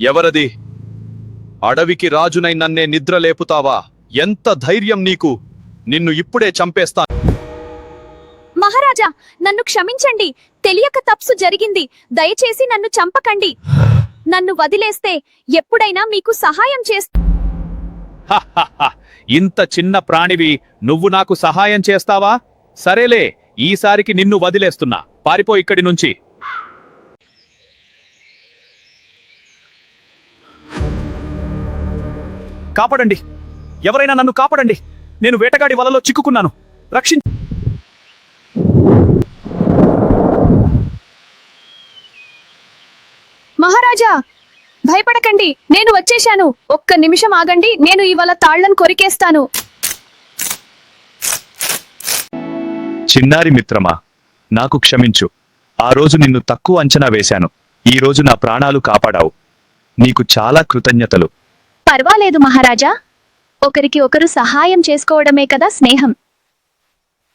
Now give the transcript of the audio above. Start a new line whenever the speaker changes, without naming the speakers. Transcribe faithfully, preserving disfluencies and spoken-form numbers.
ఎవరది? అడవికి రాజునై నన్నే నిద్ర లేపుతావా? ఎంత ధైర్యం నీకు? నిన్ను ఇప్పుడే చంపేస్తా.
మహారాజా, నన్ను క్షమించండి. తెలియక తప్సు జరిగింది. దయచేసి నన్ను చంపకండి. నన్ను వదిలేస్తే ఎప్పుడైనా మీకు సహాయం చేస్తా.
హహహ, ఇంత చిన్న ప్రాణివి నువ్వు నాకు సహాయం చేస్తావా? సరేలే, ఈసారికి నిన్ను వదిలేస్తున్నా. పారిపో ఇక్కడి నుంచి. కాపాడండి, ఎవరైనా నన్ను కాపాడండి. నేను వేటగాడి వలలో చిక్కుకున్నాను. రక్షించ
మహారాజా, భయపడకండి, నేను వచ్చేశాను. ఒక్క నిమిషం ఆగండి, నేను ఇవాళ తాళ్లను కొరికేస్తాను.
చిన్నారి మిత్రమా, నాకు క్షమించు. ఆ రోజు నిన్ను తక్కువ అంచనా వేశాను. ఈ రోజు నా ప్రాణాలు కాపాడావు. నీకు చాలా కృతజ్ఞతలు.
పర్వాలేదు మహారాజా, ఒకరికి ఒకరు సహాయం చేసుకోవడమే కదా స్నేహం.